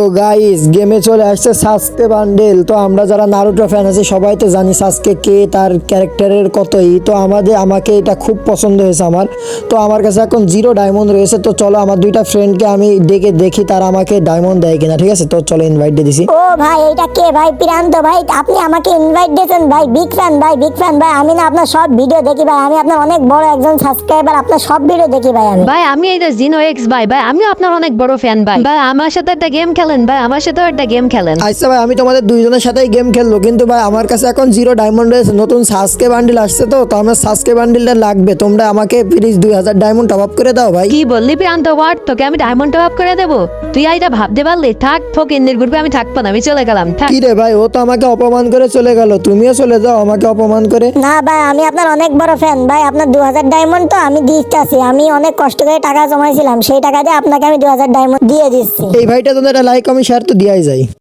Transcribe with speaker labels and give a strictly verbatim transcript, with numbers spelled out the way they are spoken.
Speaker 1: Guys গেমে চলে আসছে সাসকে বান্ডেল। তো আমরা যারা নারুটো ফ্যান আছি সবাই তো জানি সাসকে কে, তার ক্যারেক্টারের কতই। তো আমাদের আমাকে এটা খুব পছন্দ হয়েছে আমার। তো আমার কাছে এখন জিরো ডায়মন্ড রয়েছে। তো চলো আমার দুইটা ফ্রেন্ডকে আমি ডেকে দেখি তারা আমাকে ডায়মন্ড দেয় কিনা। ঠিক আছে, তো চলো ইনভাইট দিয়ে দিছি।
Speaker 2: ও ভাই এটা কে ভাই? প্রান্ত ভাই, আপনি আমাকে ইনভাইট দিয়েছেন ভাই। বিগ ফ্যান ভাই, বিগ ফ্যান ভাই। আমি না আপনার সব ভিডিও দেখি ভাই, আমি আপনার অনেক বড় একজন সাবস্ক্রাইবার, আপনার সব ভিডিও দেখি ভাই আমি।
Speaker 3: ভাই আমি এই যে জিনো এক্স ভাই ভাই আমিও আপনার অনেক বড় ফ্যান ভাই। ভাই আমার সাথে একটা গেম খেলেন ভাই, আমার সাথেও একটা গেম খেলেন।
Speaker 1: আচ্ছা ভাই, আমি তোমাদের দুইজনের সাথেই গেম খেলবো, কিন্তু ভাই আমার কাছে এখন জিরো ডায়মন্ড রয়েছে। নতুন সাসকে বান্ডিল আসছে, তো তো আমার সাসকে বান্ডিলটা লাগবে। তোমরা আমাকে প্লিজ দুই হাজার ডায়মন্ড টপ আপ করে দাও ভাই।
Speaker 3: কি বললি প্রান্ত ওয়ার্ড? তোকে আমি ডায়মন্ড টপ আপ করে দেবো? তুই এইটা ভাবতে পারলি? থাক ফোক ইন্দির গ্রুপে আমি থাকবো না, আমি চলে গেলাম। থাক।
Speaker 1: কি রে ভাই, ও তো আমাকে অপমান করে চলে গেল, তুমিও চলে যাও আমাকে অপমান করে।
Speaker 2: না ভাই, আমি আপনার অনেক বড় ফ্যান ভাই। আপনার দু হাজার ডায়মন্ড তো আমি দিচ্ছি, আমি অনেক কষ্ট করে টাকা জমাইছিলাম, সেই টাকা দিয়ে আপনাকে আমি দু হাজার ডায়মন্ড দিয়ে দিচ্ছি।
Speaker 1: এই ভাইটা তোমাদের লাইক আমি শেয়ার তো দিয়াই যায়।